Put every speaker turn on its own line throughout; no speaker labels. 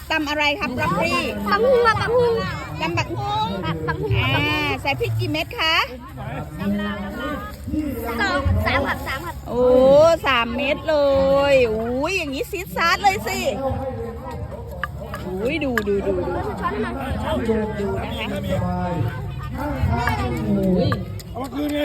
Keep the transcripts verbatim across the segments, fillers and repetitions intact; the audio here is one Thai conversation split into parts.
ตำอะไรครับบรอกโคลี
บังฮุงบังฮุง
ตำบักฮุ้ง
บังฮุง
อ่าใส่พริกกี่เม็ดคะ
สองสามครับสามครับ
โอ้สามเม็ดเลยอุ้ยอย่างนี้ซีดซาร์ดเลยสิอุ้ยดูดูดูดู
ช้อนหน่อย
ดูดูนะคะอุ้ย
เอามาคืนไง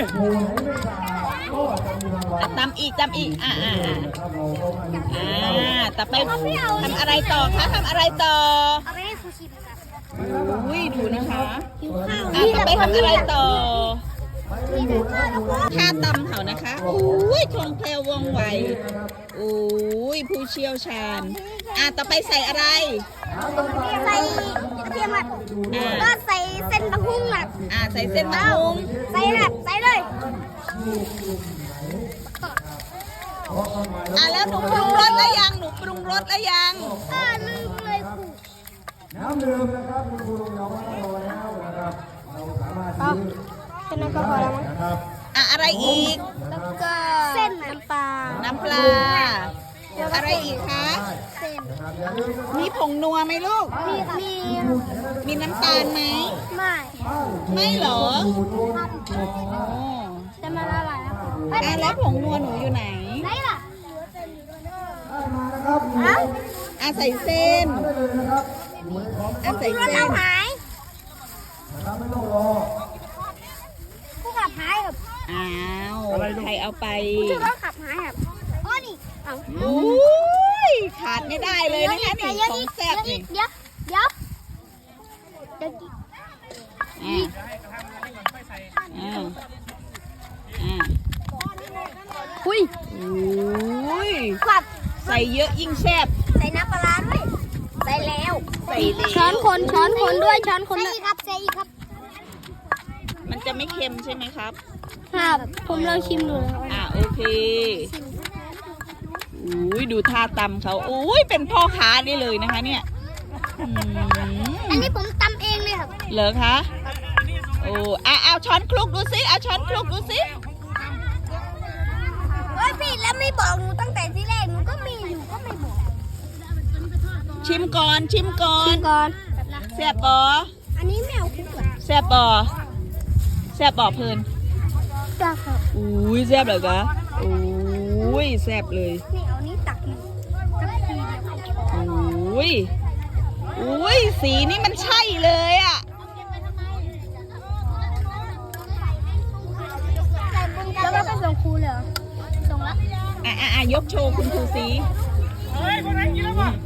อ่ะตำอีกตำอีกอ่าอ่าอ่าอ่าแต่ไปทำอะไรต่อคะทำอะไรต่อ
เอาไปให้ครูชิมครับ
อุ้ยดูนะคะ
หิวข้าว
อ่ะต่อไปทำอะไรต่อ
นี่คือข้าวแล้วก็
ท่าตำเขานะคะอุ้ยคล่องแคล่วว่องไวอุ้ยผู้เชี่ยวชาญอ่ะต่อไปใส่อะไร
ใส่กระเทียมครับ
อ่า
ก็ใส่เส้นบังฮุงครับ
อ่าใส่เส้นมะม่วง
ใส่แบบใส่เลย
อ่ะแล้วหนูปรุงรสแล้วยังหนูปรุงรสแล้วยัง
อ่าลืมเลยครู
น้ำดื่มนะครับคุณครูลงยองมาแล้วนะครับเราสามารถซื้อ
แค่นั้นก็พอแล้วมั้ง
นะครับ
อ่ะอะไรอีก
แล้วก็เส้นน้ำปลา
น้ำปลาอะไรอีกคะ
เส้น
อย่าลืมนะครับ
มีผงนัวไหมลูก
มีมี
มีน้ำตาลไหม
ไม่
ไม่เหรออ๋อ
จะมาละลายแล้ว
อ่ะแล้วผงนัวหนูอยู่ไหน
ไหนล่ะ
มานะครับ
ฮะ
อ่ะใส่เส้น
ได้เลยนะครับอยู่ในของ
อ่ะใส่
รถ
เส้
เรา
น
หาย
นะครับไม่ต้องรอ
ผู้ขับหายครับ
อ้าวใครเอาไป
ชื่อรถขับหายครับอ๋อนี่เอา
อุ้ยขาดไม่ได้เลยนะคะนี่
เดี๋ยว
ของ
อีก
แซ่บ
เดี๋ยวอี
นี่
กเดี๋ยวเดี๋ยวเดี๋ยวอีก
อ่าอ่าอ่า
หุย
อุ้ย
ขับ
ใส่เยอะยิ่งแซ่บ
ใส่น้ำปลาร้าด้วยใส่แล้ว
ใส่เหลว
ช้อนคนช้อนคนด้วยช้อนคนใส่อีกครับใส่อีกครับ
มันจะไม่เค็มใช่ไหมครับ
ครับผมลองชิมดูแล้ว
อ่าโอเคอุ้ยดูท่าตำเขาอุ้ยเป็นพ่อค้าได้เลยนะคะเนี่ยอืม
อันนี้ผมตำเองเลยครับ
เหรอคะโอ้อ่ะเอาช้อนคลุกดูสิเอาช้อนคลุกดูสิ
เฮ้ยพี่แล้วไม่บอกหนูตั้งแต่ที่แรกหนูก็มีอยู่ก็ไม่บอก
ชิมก่อนชิมก่อน
ก่อน
แซ่บปอ
อันนี้แมวคุกเหรอ
แซ่บปอแซ่บปอเพลิน
จ้าครับ
อุ้ยแซ่บเหรอคะอุ้ยแซ่บเลย
นี่เอานี้ตักอยู่สักทีเดียว
อุ้ยอุ้ยสีนี่มันใช่เลยอ่ะ
แล้วก็ไปส่งครูเลยเหรอส่งแล้ว
อ่ะอ่ะอ่ะยกโชว์คุณครูสี
เฮ้ยคนไหนกินแล้วป่ะ